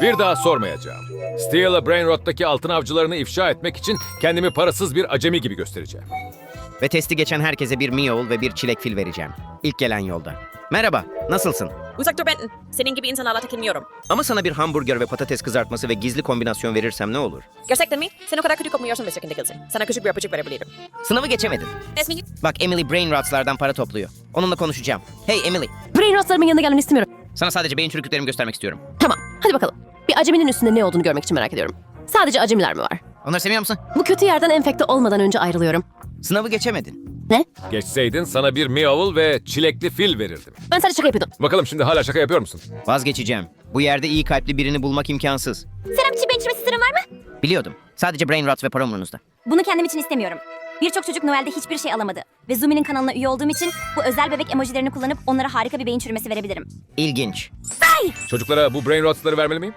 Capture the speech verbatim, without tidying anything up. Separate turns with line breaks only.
Bir daha sormayacağım. Steel'a Brainrot'taki altın avcılarını ifşa etmek için kendimi parasız bir acemi gibi göstereceğim.
Ve testi geçen herkese bir Meowl ve bir çilek fil vereceğim. İlk gelen yolda. Merhaba, nasılsın?
Uzak dur Benton. Senin gibi insanlarla takılmıyorum.
Ama sana bir hamburger ve patates kızartması ve gizli kombinasyon verirsem ne olur?
Gerçekten mi? Sen o kadar kötü kokmuyorsun mister Dickinson. Sana küçük bir öpücük verebilirim.
Sınavı geçemedin.
Esmi,
Bak Emily Brainrots'lardan para topluyor. Onunla konuşacağım. Hey Emily,
Brainrotlarımın yanına gelmeni istemiyorum.
sana sadece beyin çürüklüklerimi göstermek istiyorum.
Tamam, hadi bakalım. Bir aceminin üstünde ne olduğunu görmek için merak ediyorum. Sadece acemiler mi var?
Onları seviyor musun?
Bu kötü yerden enfekte olmadan önce ayrılıyorum.
Sınavı geçemedin.
Ne?
Geçseydin sana bir Meowl ve çilekli fil verirdim.
Ben sadece şaka yapıyordum.
Bakalım şimdi hala şaka yapıyor musun?
Vazgeçeceğim. Bu yerde iyi kalpli birini bulmak imkansız.
Selam için içmesi sırrın var mı?
Biliyordum. Sadece Brainrots ve para umurunuzda.
Bunu kendim için istemiyorum. Birçok çocuk Noel'de hiçbir şey alamadı. Ve Zumi'nin kanalına üye olduğum için bu özel bebek emojilerini kullanıp onlara harika bir beyin çürümesi verebilirim.
İlginç.
Çocuklara bu Brainrots'ları vermeli miyim?